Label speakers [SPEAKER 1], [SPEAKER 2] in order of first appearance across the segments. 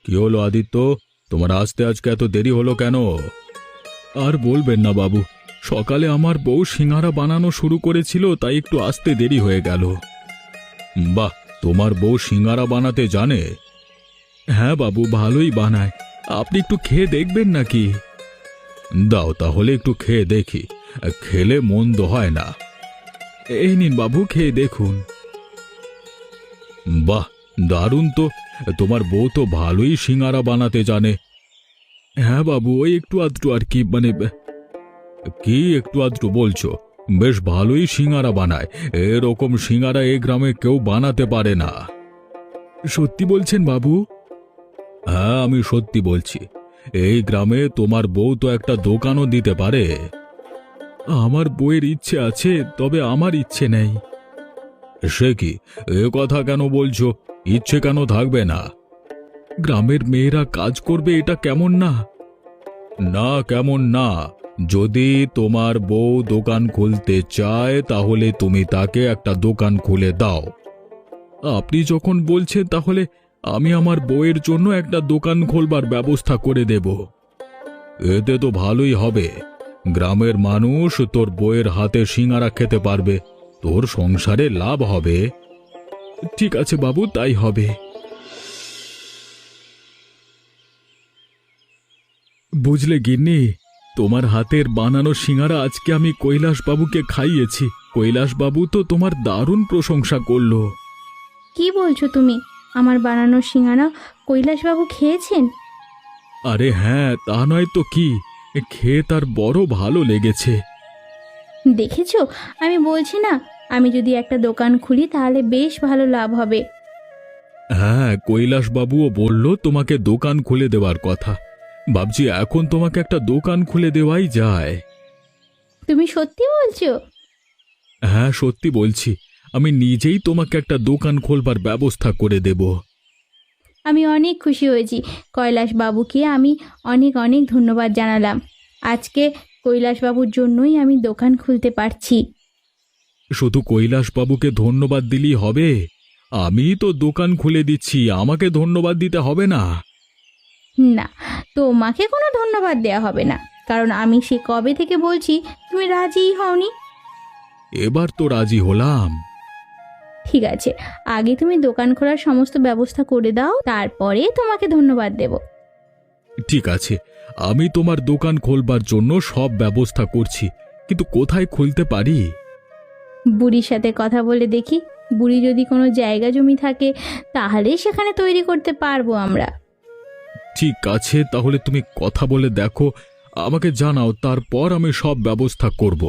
[SPEAKER 1] কি হলো আদিত্য, তোমার আসতে আজকে এত দেরি হলো কেন? আর বলবেন না বাবু, সকালে আমার বউ সিঙ্গারা বানানো শুরু করেছিল, তাই একটু আসতে দেরি হয়ে গেল। বাহ, তোমার বউ সিঙ্গারা বানাতে জানে? হ্যাঁ বাবু, ভালোই বানায়। আপনি একটু খেয়ে দেখবেন নাকি? দাও তাহলে একটু খেয়ে দেখি, খেলে মন্দ হয় না। এই নিন বাবু, খেয়ে দেখুন। বাহ, দারুণ তো। তোমার বউ তো ভালোই সিঙ্গারা বানাতে জানে। হ্যাঁ বাবু, ওই একটু আধটু আর কি, মানে কি একটু আধটু বলছো? বেশ ভালোই সিঙ্গারা বানায়। এরকম সিঙ্গারা এই গ্রামে কেউ বানাতে পারে না। সত্যি বলছেন বাবু? হ্যাঁ, আমি সত্যি বলছি। এই গ্রামে তোমার বউ তো একটা দোকানও দিতে পারে। আমার বউয়ের ইচ্ছে আছে, তবে আমার ইচ্ছে নেই। সে কি, এ কথা কেন বলছো? ইচ্ছে কেন থাকবে না? গ্রামের মেয়েরা কাজ করবে, এটা কেমন না? না, কেমন না? যদি তোমার বউ দোকান খুলতে চায় তাহলে তুমি তাকে একটা দোকান খুলে দাও। আপনি যখন বলছেন, তাহলে আমি আমার বউয়ের জন্য একটা দোকান খোলবার ব্যবস্থা করে দেব। এতে তো ভালোই হবে। গ্রামের মানুষ তোর বউয়ের হাতে সিঙ্গারা খেতে পারবে, তোর সংসারে লাভ হবে। ঠিক আছে বাবু, তাই হবে। বুঝলে গিন্নি, তোমার হাতের বানানো সিঙ্গারা আজকে আমি কৈলাসবাবুকে খাইয়েছি। কৈলাসবাবু তো তোমার দারুণ প্রশংসা করলো।
[SPEAKER 2] কি বলছো তুমি? আমার বানানো সিঙ্গারা কৈলাসবাবু খেয়েছেন?
[SPEAKER 1] আরে হ্যাঁ, তা নয় তো কি, খেয়ে তার বড় ভালো লেগেছে।
[SPEAKER 2] দেখেছো, আমি বলছি না, আমি যদি একটা দোকান খুলি তাহলে বেশ ভালো লাভ হবে।
[SPEAKER 1] হ্যাঁ, কৈলাসবাবুও বলল তোমাকে দোকান খুলে দেওয়ার কথা। ভাবছি এখন তোমাকে একটা দোকান খুলে দেওয়াই যায়।
[SPEAKER 2] তুমি সত্যি বলছো?
[SPEAKER 1] হ্যাঁ, সত্যি বলছি। আমি নিজেই তোমাকে একটা দোকান খোলবার ব্যবস্থা করে দেব।
[SPEAKER 2] আমি অনেক খুশি হয়েছি। কৈলাসবাবুকে আমি অনেক অনেক ধন্যবাদ জানালাম। আজকে কৈলাসবাবুর জন্যই আমি দোকান খুলতে পারছি।
[SPEAKER 1] শুধু কৈলাসবাবুকে ধন্যবাদ দিলেই হবে? আমি তো দোকান খুলে দিচ্ছি, আমাকে ধন্যবাদ দিতে হবে না?
[SPEAKER 2] না, তোমাকে কোনো ধন্যবাদ দেওয়া হবে না, কারণ আমি সে কবে থেকে বলছি, তুমি রাজিই হওনি।
[SPEAKER 1] এবার তো রাজি হলাম।
[SPEAKER 2] ঠিক আছে, আগে তুমি দোকান খোলার সমস্ত ব্যবস্থা করে দাও, তারপরে তোমাকে ধন্যবাদ দেব।
[SPEAKER 1] ঠিক আছে, আমি তোমার দোকান খোলবার জন্য সব ব্যবস্থা করছি, কিন্তু কোথায় খুলতে পারি?
[SPEAKER 2] বুড়ির সাথে কথা বলে দেখি। বুড়ি যদি কোনো জায়গা জমি থাকে তাহলে সেখানে তৈরি করতে পারবো আমরা।
[SPEAKER 1] ঠিক আছে, তাহলে তুমি কথা বলে দেখো, আমাকে জানাও, তারপর আমি সব ব্যবস্থা করব।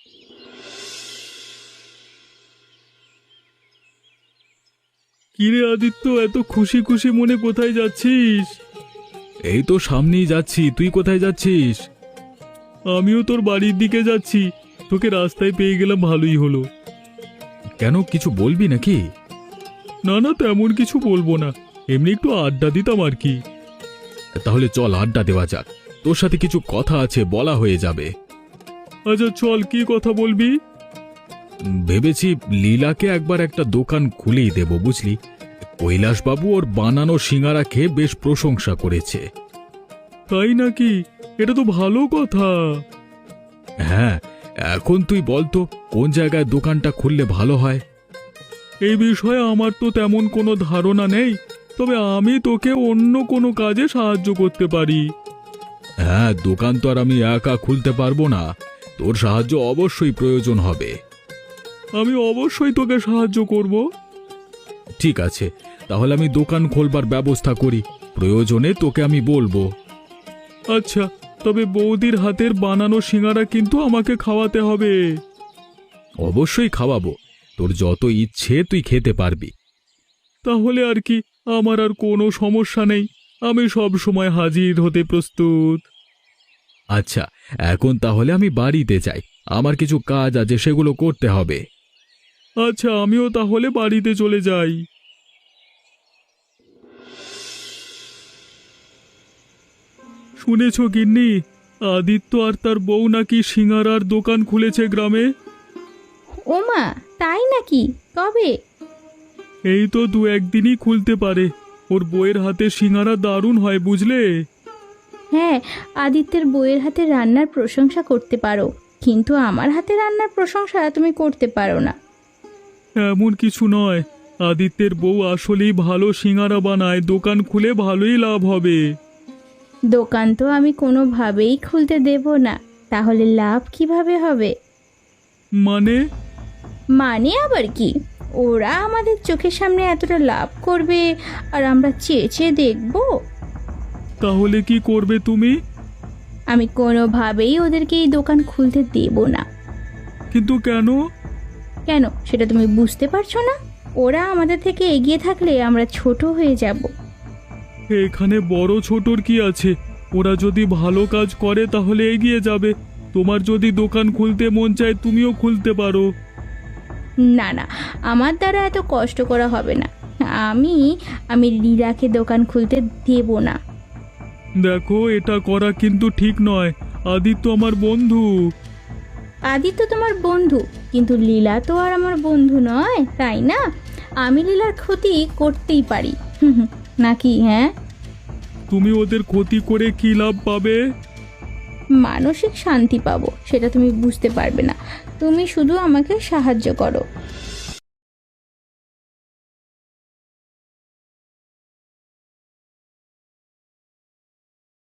[SPEAKER 1] কিরে আদিত্য, এত খুশি খুশি মনে কোথায় যাচ্ছিস? এই তো সামনেই যাচ্ছি, তুই কোথায় যাচ্ছিস? আমিও তোর বাড়ির দিকে যাচ্ছি। তোকে রাস্তায় পেয়ে গেলাম, ভালোই হলো। কেন, কিছু বলবি নাকি? না না, তেমন কিছু বলবো না, এমনি একটু আড্ডা দিতাম আর কি। তাহলে চল আড্ডা দেওয়া যাক, তোর সাথে কিছু কথা আছে, বলা হয়ে যাবে। আচ্ছা চল, কি কথা বলবি? ভেবেছি লীলাকে একবার একটা দোকান খুলেই দেব, বুঝলি। কৈলাসবাবু ওর বানানো সিঙ্গারা খেয়ে বেশ প্রশংসা করেছে। তাই নাকি? এটা তো ভালো কথা। হ্যাঁ, এখন তুই বলতো কোন জায়গায় দোকানটা খুললে ভালো হয়? এই বিষয়ে আমার তো তেমন কোনো ধারণা নেই, তবে আমি তোকে অন্য কোনো কাজে সাহায্য করতে পারি। হ্যাঁ, দোকান তো আর আমি একা খুলতে পারবো না, তোর সাহায্য অবশ্যই প্রয়োজন হবে। আমি অবশ্যই তোকে সাহায্য করব। ঠিক আছে, তাহলে আমি দোকান খোলবার ব্যবস্থা করি, প্রয়োজনে তোকে আমি বলবো। আচ্ছা, তবে বৌদির হাতের বানানো সিঙ্গারা কিন্তু আমাকে খাওয়াতে হবে। অবশ্যই খাওয়াবো, তোর যত ইচ্ছে তুই খেতে পারবি। তাহলে আর কি, আমার আর কোনো সমস্যা নেই, আমি সব সময় হাজির হতে প্রস্তুত। আচ্ছা, এখন তাহলে আমি বাড়িতে যাই, আমার কিছু কাজ আছে, সেগুলো করতে হবে। আচ্ছা, আমিও তাহলে বাড়িতে চলে যাই। শুনেছ গিন্নি, আদিত্য আর তার বউ নাকি সিঙ্গারার দোকান খুলেছে গ্রামে?
[SPEAKER 2] ওমা, তাই নাকি? কবে?
[SPEAKER 1] এই তো দু একদিনই খুলতে পারে। ওর বইয়ের হাতে সিঙ্গারা দারুণ হয় বুঝলে।
[SPEAKER 2] হ্যাঁ, আদিত্যের বইয়ের হাতে রান্নার প্রশংসা করতে পারো, কিন্তু আমার হাতে রান্নার প্রশংসা তুমি করতে পারো না।
[SPEAKER 1] এমন কিছু নয়, আদিত্যের বউ আসলেই ভালো সিঙ্গারা বানায়, দোকান খুলে ভালোই লাভ হবে।
[SPEAKER 2] দোকান তো আমি কোনোভাবেই খুলতে দেব না, তাহলে লাভ কিভাবে হবে?
[SPEAKER 1] মানে?
[SPEAKER 2] মানে আবার কি? ওরা আমাদের চোখের সামনে এতটা লাভ করবে আর আমরা চেয়ে চেয়ে দেখবো?
[SPEAKER 1] তাহলে কি করবে তুমি?
[SPEAKER 2] আমি কোনোভাবেই ওদেরকে এই দোকান খুলতে দেব না।
[SPEAKER 1] কিন্তু কেন?
[SPEAKER 2] কেন সেটা তুমি বুঝতে পারছো না? ওরা আমাদের থেকে এগিয়ে থাকলে আমরা ছোট হয়ে যাব।
[SPEAKER 1] এখানে বড় ছোটর কি আছে? ওরা যদি ভালো কাজ করে তাহলে এগিয়ে যাবে। তোমার যদি দোকান খুলতে মন চায় তুমিও খুলতে পারো।
[SPEAKER 2] না না, আমার দ্বারা এত কষ্ট করা হবে না। আমি আমি লীলাকে দোকান খুলতে দেব না।
[SPEAKER 1] দেখো, এটা করা কিন্তু ঠিক নয়। আদিত্য আমার বন্ধু।
[SPEAKER 2] আদিত্য তোমার বন্ধু, কিন্তু লীলা তো আর আমার বন্ধু নয়, তাই না? আমি লীলার ক্ষতি করতেই পারি, নাকি? হ্যাঁ,
[SPEAKER 1] তুমি ওদের ক্ষতি করে কি লাভ পাবে?
[SPEAKER 2] মানসিক শান্তি পাবো, সেটা তুমি বুঝতে পারবে না। তুমি শুধু আমাকে সাহায্য করো।